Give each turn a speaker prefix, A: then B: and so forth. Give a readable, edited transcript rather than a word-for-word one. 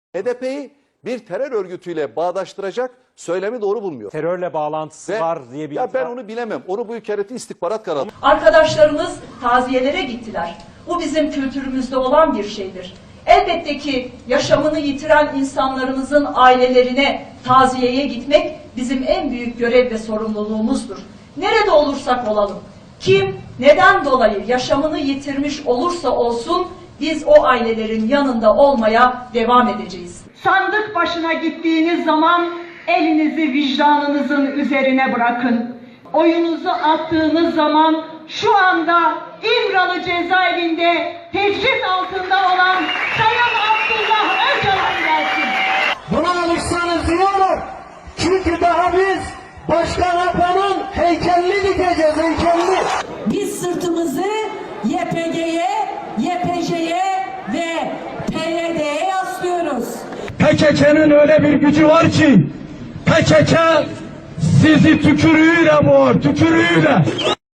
A: HDP'yi bir terör örgütüyle bağdaştıracak söylemi doğru bulmuyor.
B: Terörle bağlantısı var diye bir...
A: Ya ben onu bilemem. Onu bu hükümeti istihbarat kanalı.
C: Arkadaşlarımız taziyelere gittiler. Bu bizim kültürümüzde olan bir şeydir. Elbette ki yaşamını yitiren insanlarımızın ailelerine taziyeye gitmek bizim en büyük görev ve sorumluluğumuzdur. Nerede olursak olalım, kim neden dolayı yaşamını yitirmiş olursa olsun biz o ailelerin yanında olmaya devam edeceğiz.
D: Sandık başına gittiğiniz zaman elinizi vicdanınızın üzerine bırakın. Oyunuzu attığınız zaman şu anda İmralı cezaevinde tecrit altında olan Sayın Abdullah Öcalan gelsin.
E: Buna alışsanız iyi olur. Çünkü daha biz Başkan Apo'nun heykelini dikeceğiz, heykelini.
F: Biz sırtımızı YPG'ye, YPJ'ye ve PYD'ye yaslıyoruz.
E: PKK'nın öyle bir gücü var ki PKK sizi tükürüğüyle boğar, tükürüğüyle.